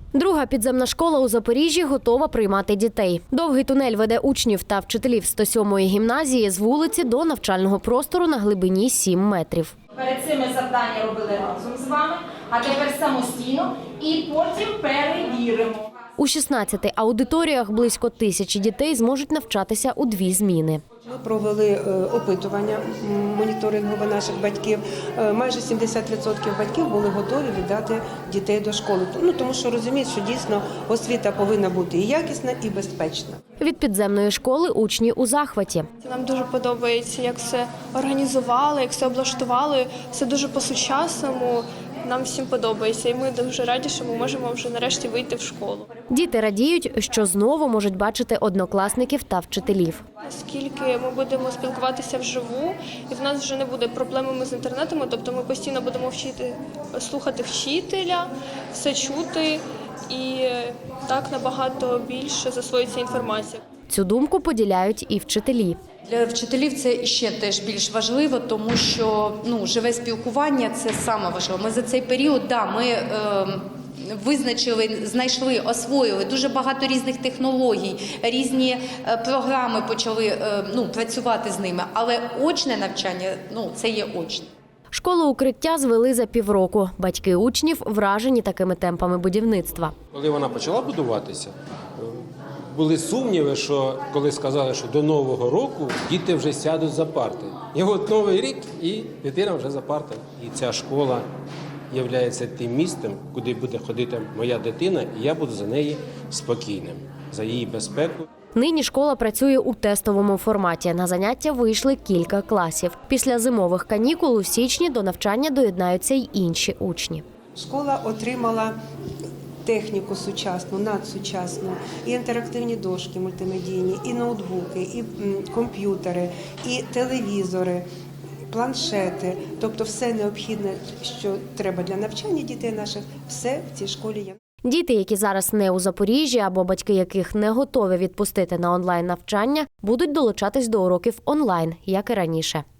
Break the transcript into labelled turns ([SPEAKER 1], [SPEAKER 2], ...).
[SPEAKER 1] Друга підземна школа у Запоріжжі готова приймати дітей. Довгий тунель веде учнів та вчителів 107-ї гімназії з вулиці до навчального простору на глибині 7 метрів.
[SPEAKER 2] Перед цим ми завдання робили разом з вами, а тепер самостійно і потім перевіримо.
[SPEAKER 1] У 16 аудиторіях близько 1000 дітей зможуть навчатися у 2 зміни.
[SPEAKER 3] Ми провели опитування моніторингове наших батьків. Майже 70% батьків були готові віддати дітей до школи. Тому що розуміють, що дійсно освіта повинна бути і якісна, і безпечна.
[SPEAKER 1] Від підземної школи учні у захваті.
[SPEAKER 4] Нам дуже подобається, як все організували, як все облаштували, все дуже по-сучасному. Нам всім подобається, і ми дуже раді, що ми можемо вже нарешті вийти в школу.
[SPEAKER 1] Діти радіють, що знову можуть бачити однокласників та вчителів.
[SPEAKER 4] Оскільки ми будемо спілкуватися вживу, і в нас вже не буде проблеми з інтернетом, тобто ми постійно будемо слухати вчителя, все чути, і так набагато більше засвоїться інформація.
[SPEAKER 1] Цю думку поділяють і вчителі.
[SPEAKER 5] Для вчителів це ще теж більш важливо, тому що живе спілкування – це саме важливо. Ми за цей період, визначили, знайшли, освоїли дуже багато різних технологій, різні програми почали працювати з ними, але очне навчання це є очне.
[SPEAKER 1] Школу укриття звели за півроку. Батьки учнів вражені такими темпами будівництва.
[SPEAKER 6] Коли вона почала будуватися, були сумніви, що коли сказали, що до Нового року діти вже сядуть за парти. І от Новий рік, і дитина вже за партою. І ця школа є тим місцем, куди буде ходити моя дитина, і я буду за неї спокійним, за її безпеку.
[SPEAKER 1] Нині школа працює у тестовому форматі. На заняття вийшли кілька класів. Після зимових канікул у січні до навчання доєднаються й інші учні.
[SPEAKER 3] Школа отримала техніку сучасну, надсучасну, і інтерактивні дошки мультимедійні, і ноутбуки, і комп'ютери, і телевізори, планшети. Тобто все необхідне, що треба для навчання дітей наших, все в цій школі є.
[SPEAKER 1] Діти, які зараз не у Запоріжжі або батьки яких не готові відпустити на онлайн навчання, будуть долучатись до уроків онлайн, як і раніше.